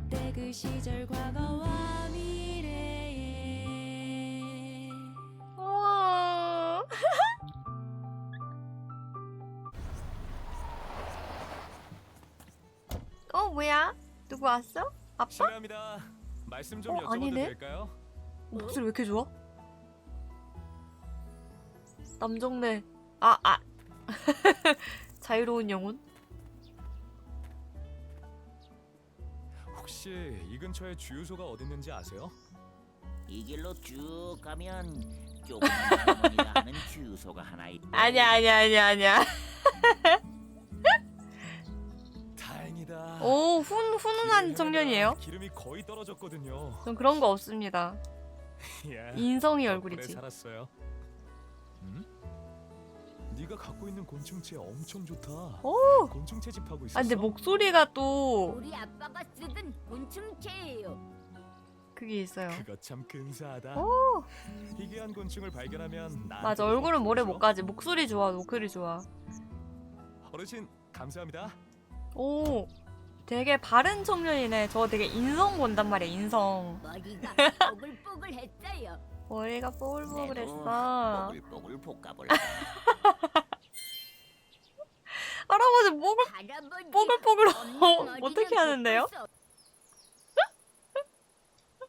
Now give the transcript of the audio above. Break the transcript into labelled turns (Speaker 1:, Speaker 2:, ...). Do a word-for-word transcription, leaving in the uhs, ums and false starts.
Speaker 1: 그때 그 시절 과거와 미래에.
Speaker 2: 우와. 어 뭐야? 누구 왔어? 아빠?
Speaker 3: 실례합니다. 말씀 좀
Speaker 2: 어,
Speaker 3: 여쭤봐도
Speaker 2: 아니네?
Speaker 3: 될까요?
Speaker 2: 목소리 왜 이렇게 좋아? 남정네. 아, 아. 자유로운 영혼?
Speaker 3: 혹시 이 근처에 주유소가 어디 있는지 아세요?
Speaker 4: 이 길로 쭉 가면 조그만 할머니가 하는 주유소가 하나 있대.
Speaker 2: 아니야, 아니야, 아니야, 아니야.
Speaker 3: 다행이다.
Speaker 2: 오, 훈, 훈훈한
Speaker 3: 길을
Speaker 2: 청년이에요?
Speaker 3: 헤매다가 기름이 거의 떨어졌거든요.
Speaker 2: 전 그런 거 없습니다.
Speaker 3: 야,
Speaker 2: 인성이
Speaker 3: 덕분에
Speaker 2: 얼굴이지.
Speaker 3: 살았어요. 음? 네가 갖고 있는 곤충체 엄청 좋다.
Speaker 2: 오!
Speaker 3: 곤충 채집하고 있었어?
Speaker 2: 아, 근데 목소리가 또
Speaker 5: 우리 아빠가 쓰던 곤충체예요.
Speaker 2: 그게 있어요.
Speaker 3: 그거 참 근사하다.
Speaker 2: 오!
Speaker 3: 희귀한 곤충을 발견하면 나한테
Speaker 2: 맞아, 얼굴은 모래 못
Speaker 3: 줘.
Speaker 2: 가지. 목소리 좋아, 목소리 좋아.
Speaker 3: 어르신 감사합니다.
Speaker 2: 오, 되게 바른 청년이네. 저 되게 인성 본단 말이야, 인성.
Speaker 5: 머리가 뽀글뽀글했어요.
Speaker 2: 머리가
Speaker 4: 내도
Speaker 2: 뽀글뽀글했어.
Speaker 4: 뽀글뽀글 볶아볼까.
Speaker 2: 할아버지 목을
Speaker 5: 할아버지
Speaker 2: 뽀글뽀글
Speaker 5: 언니 머리는
Speaker 2: 어떻게 하는데요?
Speaker 5: 볶았어.